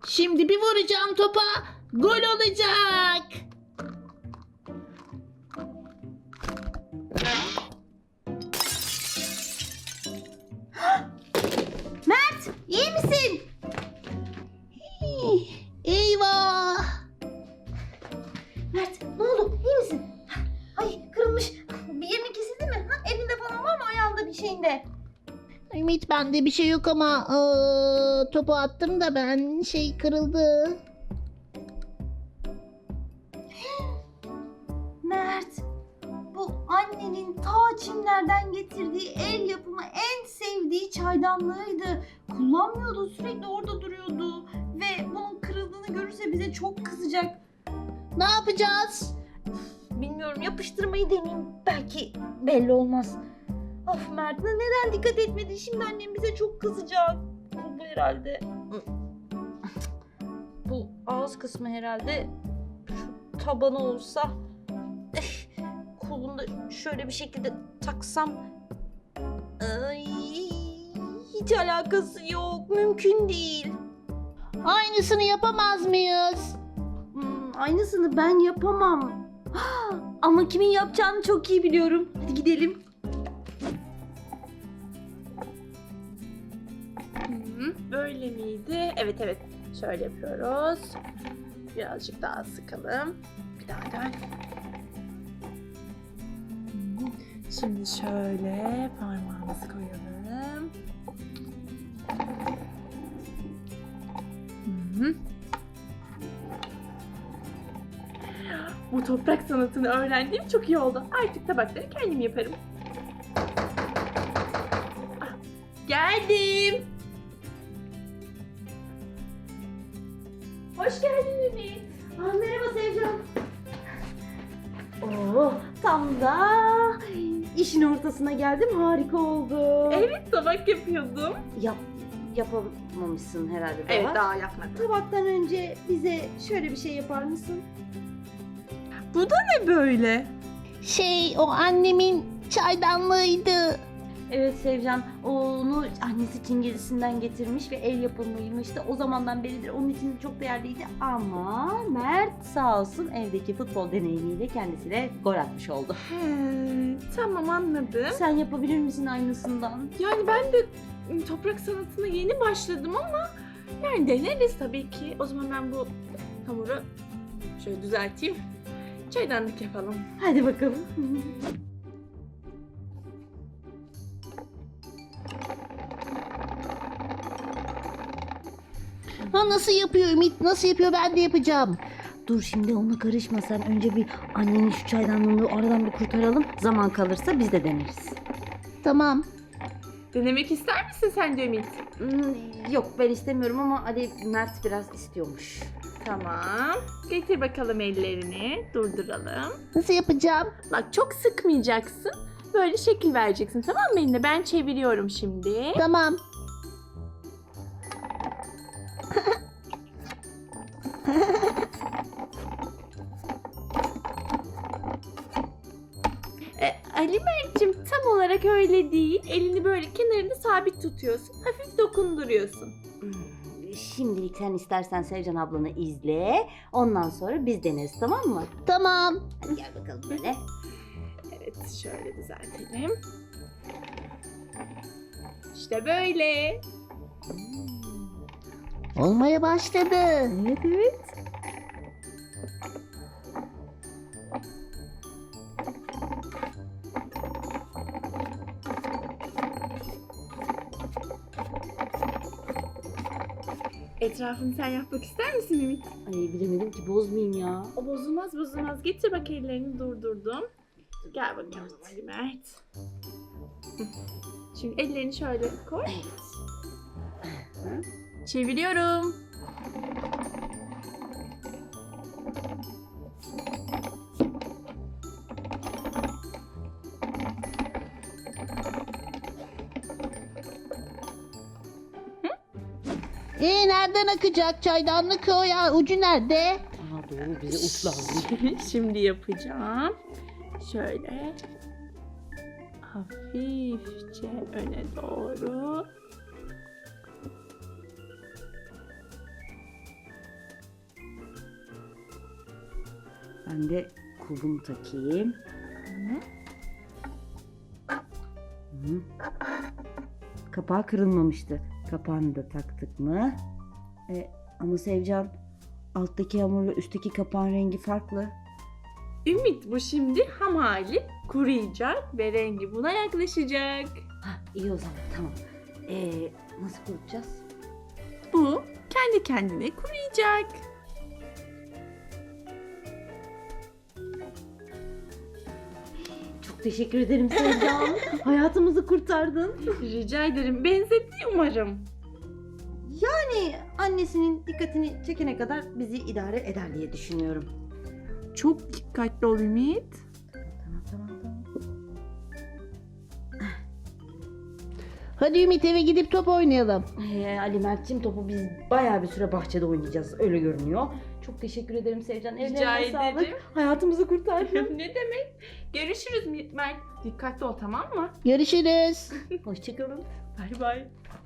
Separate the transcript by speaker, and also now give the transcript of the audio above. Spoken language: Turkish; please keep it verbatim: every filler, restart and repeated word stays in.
Speaker 1: Şimdi bir vuracağım topa. Gol olacak.
Speaker 2: Mert, iyi misin?
Speaker 1: Hii, Eyvah.
Speaker 2: Mert, ne oldu? İyi misin? Ay, kırılmış. Bir yerin kesildi mi? Ha, elinde falan var mı? Ayağında bir şeyinde.
Speaker 1: Ümit, bende bir şey yok ama eee, topu attım da ben şey kırıldı.
Speaker 2: Mert, bu annenin ta Çinlerden getirdiği el yapımı en sevdiği çaydanlığıydı. Kullanmıyordu, sürekli orada duruyordu. Ve bunun kırıldığını görürse bize çok kızacak.
Speaker 1: Ne yapacağız?
Speaker 2: Bilmiyorum, yapıştırmayı deneyeyim. Belki belli olmaz. Of Mert, neden dikkat etmedin? Şimdi annem bize çok kızacak. Bu herhalde. Bu ağız kısmı herhalde. Şu tabanı olsa. Eh, kolunda şöyle bir şekilde taksam. Ay, hiç alakası yok. Mümkün değil.
Speaker 1: Aynısını yapamaz mıyız?
Speaker 2: Hmm, aynısını ben yapamam. Ama kimin yapacağını çok iyi biliyorum. Hadi gidelim.
Speaker 3: Hı, böyle miydi? Evet evet. Şöyle yapıyoruz. Birazcık daha sıkalım. Bir daha dön. Hı, şimdi şöyle parmağımızı koyalım. Hı. Bu toprak sanatını öğrendiğim çok iyi oldu. Artık tabakları kendim yaparım. Ah, geldim. Hoş geldin Ümit.
Speaker 2: Aa, merhaba Sevcan. Oo, tam da işin ortasına geldim. Harika oldu.
Speaker 3: Evet, tabak yapıyordum.
Speaker 2: Yap, yapamamışsın herhalde daha.
Speaker 3: Evet, daha yapmadım.
Speaker 2: Tabaktan önce bize şöyle bir şey yapar mısın?
Speaker 3: Bu da ne böyle?
Speaker 1: Şey, o annemin çaydanlığıydı.
Speaker 2: Evet Sevcan, onu annesi Çingizisinden getirmiş ve el yapımıymıştı. O zamandan beridir onun için çok değerliydi ama Mert sağ olsun evdeki futbol deneyimiyle kendisine gol atmış oldu.
Speaker 3: He, tamam anladım.
Speaker 2: Sen yapabilir misin aynısından?
Speaker 3: Yani ben de ım, toprak sanatına yeni başladım ama yani deneriz tabii ki. O zaman ben bu hamuru şöyle düzelteyim. Çaydanlık yapalım.
Speaker 2: Hadi bakalım.
Speaker 1: Ha, nasıl yapıyor Ümit? Nasıl yapıyor? Ben de yapacağım.
Speaker 2: Dur şimdi ona karışma sen. Önce bir annenin şu çaydanlığını aradan bir kurtaralım. Zaman kalırsa biz de deneriz.
Speaker 1: Tamam.
Speaker 3: Denemek ister misin sen de Ümit?
Speaker 2: Hmm, yok ben istemiyorum ama hadi Mert biraz istiyormuş.
Speaker 3: Tamam. Getir bakalım ellerini. Durduralım.
Speaker 1: Nasıl yapacağım?
Speaker 3: Bak çok sıkmayacaksın. Böyle şekil vereceksin, tamam mı eline? Ben çeviriyorum şimdi.
Speaker 1: Tamam.
Speaker 3: E, Ali Mert'cim tam olarak öyle değil. Elini böyle kenarında sabit tutuyorsun. Hafif dokunduruyorsun.
Speaker 2: Hmm, şimdilik sen istersen Sevcan ablanı izle. Ondan sonra biz deneriz, tamam mı?
Speaker 1: Tamam.
Speaker 2: Hadi gel bakalım böyle.
Speaker 3: Evet, şöyle düzeltelim. İşte böyle.
Speaker 1: Olmaya başladı.
Speaker 2: Evet evet.
Speaker 3: Etrafını sen yapmak ister misin Ümit?
Speaker 2: Ay bilemedim ki, bozmayayım ya.
Speaker 3: O bozulmaz bozulmaz. Getir bak, ellerini durdurdum. Gel bakalım Ali Mert. Hı. Şimdi ellerini şöyle koy. Çeviriyorum.
Speaker 1: Ee, nereden akacak çaydanlık o ya? Ucu nerede?
Speaker 2: Aa doğru, bize uç lazım.
Speaker 3: Şimdi yapacağım. Şöyle hafifçe öne doğru.
Speaker 4: Ben de kulbumu takayım.
Speaker 3: Hı.
Speaker 4: Hı. Kapağı kırılmamıştı. Kapağını da taktık mı? E, ama Sevcan, alttaki hamurla üstteki kapağın rengi farklı.
Speaker 3: Ümit, bu şimdi ham hali kuruyacak ve rengi buna yaklaşacak.
Speaker 4: Ha, iyi o zaman, tamam. E, nasıl kurutacağız?
Speaker 3: Bu kendi kendine kuruyacak.
Speaker 4: Çok teşekkür ederim Sevcan. Hayatımızı kurtardın.
Speaker 3: Rica ederim. Benzetti umarım.
Speaker 4: Yani annesinin dikkatini çekene kadar bizi idare eder diye düşünüyorum.
Speaker 3: Çok dikkatli ol Ümit.
Speaker 4: Tamam tamam tamam.
Speaker 1: Hadi Ümit, eve gidip top oynayalım.
Speaker 4: Ee, Ali Mert'ciğim, topu biz bayağı bir süre bahçede oynayacağız. Öyle görünüyor. Çok teşekkür ederim Sevcan.
Speaker 3: Rica
Speaker 4: Ellerine sağlık.
Speaker 3: ederim.
Speaker 4: Hayatımızı kurtardın.
Speaker 3: Ne demek? Görüşürüz Mert. Dikkatli ol, tamam mı?
Speaker 1: Görüşürüz.
Speaker 4: Hoşçakalın.
Speaker 3: Bay bay.